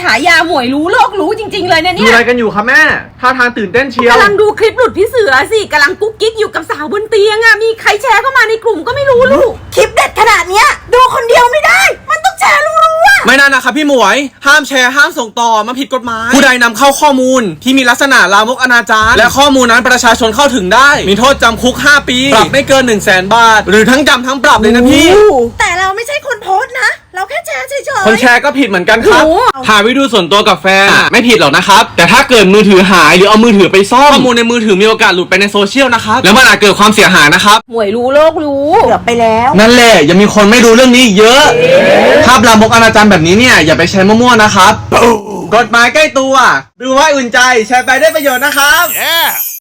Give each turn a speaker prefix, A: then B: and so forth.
A: ายาหมวยรู้โลกรู้จริงๆเลยเนี่ย
B: ดูอะไรกันอยู่คะแม่ท่าทางตื่นเต้นเชียว
A: กำลังดูคลิปหลุดพี่เสือสิกำลังกุ๊กกิ๊กอยู่กับสาวบนเตียงอะมีใครแชร์เข้ามาในกลุ่มก็ไม่รู้ลูกคลิปเด็ดขนาดเนี้ยดูคนเดียวไม่ได้มันต้องแชร์รู้ๆอะ
C: ไม่น่านะครับพี่หมวยห้ามแชร์ห้ามส่งต่อมันผิดกฎหมายผู้ใดนำเข้าข้อมูลที่มีลักษณะลามกอนาจารและข้อมูลนั้นประชาชนเข้าถึงได้มีโทษจำคุก5 ปีปรับไม่เกิน 100,000 บาทหรือทั้งจำทั้งปรับเลยนะพี่
A: แต่เราไม่ใช่คนโพสต์นะเราแค่แชร์เฉยๆ
C: คนแชร์ก็ผิดเหมือนกันครับ
A: โอ้
C: ถ่ายวิดีโอส่วนตัวกับแฟนไม่ผิดหรอกนะครับแต่ถ้าเกิดมือถือหายหรือเอามือถือไปซ่อมข้อมูลในมือถือมีโอกาสหลุดไปในโซเชียลนะครับแล้วมันอาจเกิดความเสียหายนะครับ
A: หมวยรู้โลกรู้เกือบไปแล้ว
C: นั่นแหละยังมีคนไม่รู้เรื่องนี้อีกเยอะภาพลามกอนาจารแบบนี้เนี่ยอย่าไปใช้มั่วๆนะครับกฎหมายใกล้ตัวดูไว้อุ่นใจแชร์ไปได้ประโยชน์นะครับ